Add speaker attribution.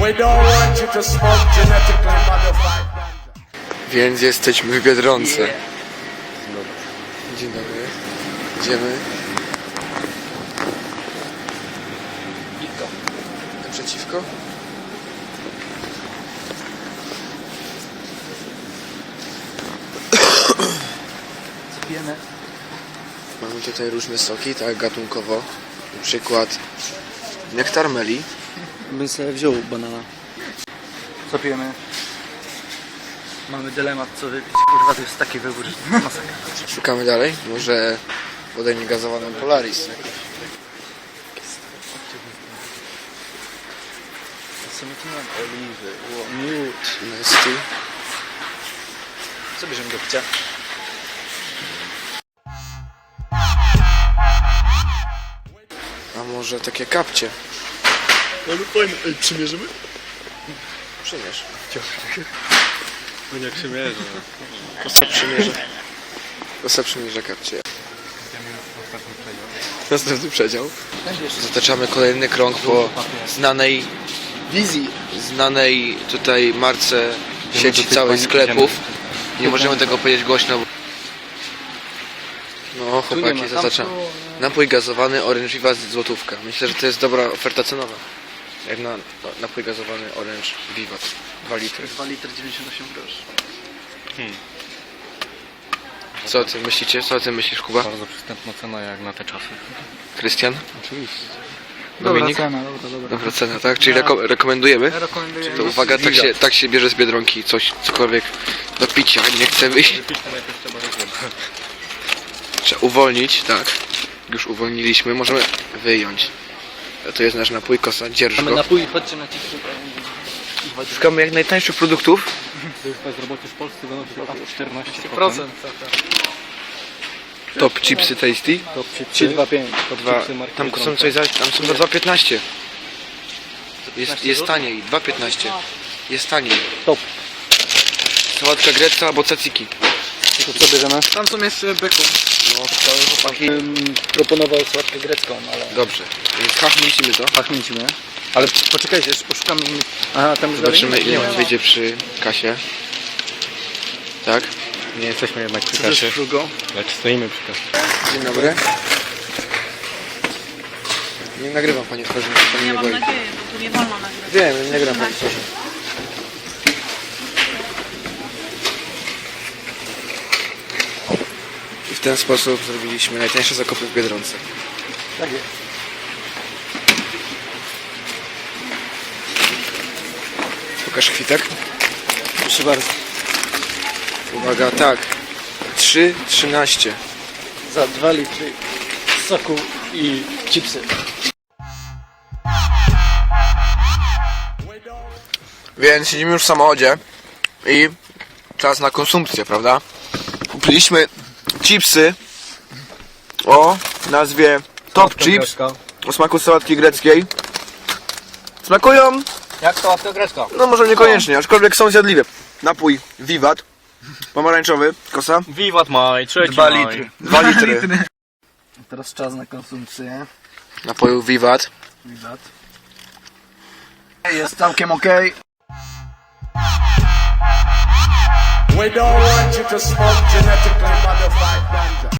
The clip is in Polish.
Speaker 1: Więc jesteśmy w Biedronce. Dzień dobry. Idziemy. Naprzeciwko.
Speaker 2: Co pijemy?
Speaker 1: Mamy tutaj różne soki, tak gatunkowo. Na przykład nektar meli.
Speaker 2: Bym sobie wziął banana. Co pijemy? Mamy dylemat co wypić. Kurwa, to jest taki wybór, że to masakra.
Speaker 1: Szukamy dalej. Może wodę niegazowaną Polaris.
Speaker 2: Co my tu mamy? Oliwy, miód.
Speaker 1: Nesty.
Speaker 2: Co bierzemy do picia?
Speaker 1: A może takie kapcie?
Speaker 2: Ale fajne. Ej, przymierzymy?
Speaker 1: Przymierz.
Speaker 2: No nie przymierzę.
Speaker 1: Kosa przymierza. Kosa przymierza kapcie. Następny przedział. Zataczamy kolejny krąg po znanej
Speaker 2: Wizji.
Speaker 1: znanej tutaj marce sieci całej sklepów. Nie możemy tego powiedzieć głośno. No chłopaki, zaznaczam. Napój gazowany Orange Viva złotówka. Myślę, że to jest dobra oferta cenowa. Jak na napój gazowany Orange Viva 2 litry.
Speaker 2: 2 litry 98 groszy.
Speaker 1: Co o tym myślicie? Co o tym myślisz, Kuba?
Speaker 3: Bardzo przystępna cena jak na te czasy.
Speaker 1: Krystian?
Speaker 3: Oczywiście.
Speaker 1: Dominik?
Speaker 2: Dobra.
Speaker 1: Dobra cena, tak? Czyli rekomendujemy?
Speaker 2: Rekomenduję.
Speaker 1: To uwaga, tak się bierze z Biedronki coś, cokolwiek do picia, nie chcę wyjść.
Speaker 3: Wypić to najpierw trzeba rozwiązać.
Speaker 1: Trzeba uwolnić, tak. Już uwolniliśmy, możemy wyjąć. A to jest nasz napój, kosa, dzierż
Speaker 2: Mamy
Speaker 1: go.
Speaker 2: napój, chodźcie na chipsy.
Speaker 1: Szukamy jak najtańszych produktów.
Speaker 3: Bezrobocie w Polsce wynosi aż 14%.
Speaker 2: Procent.
Speaker 1: Top chipsy tasty.
Speaker 3: Top
Speaker 2: 3,25.
Speaker 1: Tam są coś za, tam są za 2,15. Jest taniej, 2,15. Jest taniej.
Speaker 2: Top.
Speaker 1: Sałatka grecka albo tzatziki.
Speaker 2: To co bierzemy? Tam są jeszcze beko.
Speaker 1: No, całe chłopaki.
Speaker 2: Proponował słodkę grecką, ale...
Speaker 1: Dobrze, więc hachmicimy to.
Speaker 2: Pachnięcimy. Ale poczekajcie, jeszcze poszukamy innych. Aha, tam już
Speaker 1: Zobaczymy
Speaker 2: dalej?
Speaker 1: ile on wyjdzie przy kasie. Tak?
Speaker 3: Nie jesteśmy jednak przy
Speaker 2: Co to jest
Speaker 3: kasie,
Speaker 2: frugo?
Speaker 3: lecz stoimy przy kasie.
Speaker 1: Dzień dobry. Nie nagrywam pani twarzy, pani
Speaker 4: Ja
Speaker 1: nie
Speaker 4: mam
Speaker 1: boi.
Speaker 4: nadzieję, bo tu nie wolno nagrywać.
Speaker 1: Wiem, nie nagrywam pani twarzy. I w ten sposób zrobiliśmy najtańsze zakupy w Biedronce.
Speaker 2: Tak jest.
Speaker 1: Pokaż kwitek.
Speaker 2: Proszę bardzo.
Speaker 1: Uwaga, tak. 3,13.
Speaker 2: Za 2 litry soku i chipsy.
Speaker 1: Więc siedzimy już w samochodzie i czas na konsumpcję, prawda? Kupiliśmy chipsy o nazwie Top Chips o smaku sałatki greckiej. Smakują,
Speaker 2: Jak to łapka grecka?
Speaker 1: no może niekoniecznie, aczkolwiek są zjadliwe. Napój Vivat, pomarańczowy, kosa,
Speaker 3: Wiwat maj,
Speaker 2: 2 litry.
Speaker 1: 2 litry
Speaker 2: Teraz czas na konsumpcję.
Speaker 1: napoju Vivat.
Speaker 2: Widać. Jest całkiem okej.
Speaker 5: We don't want you to smoke genetically modified ganja.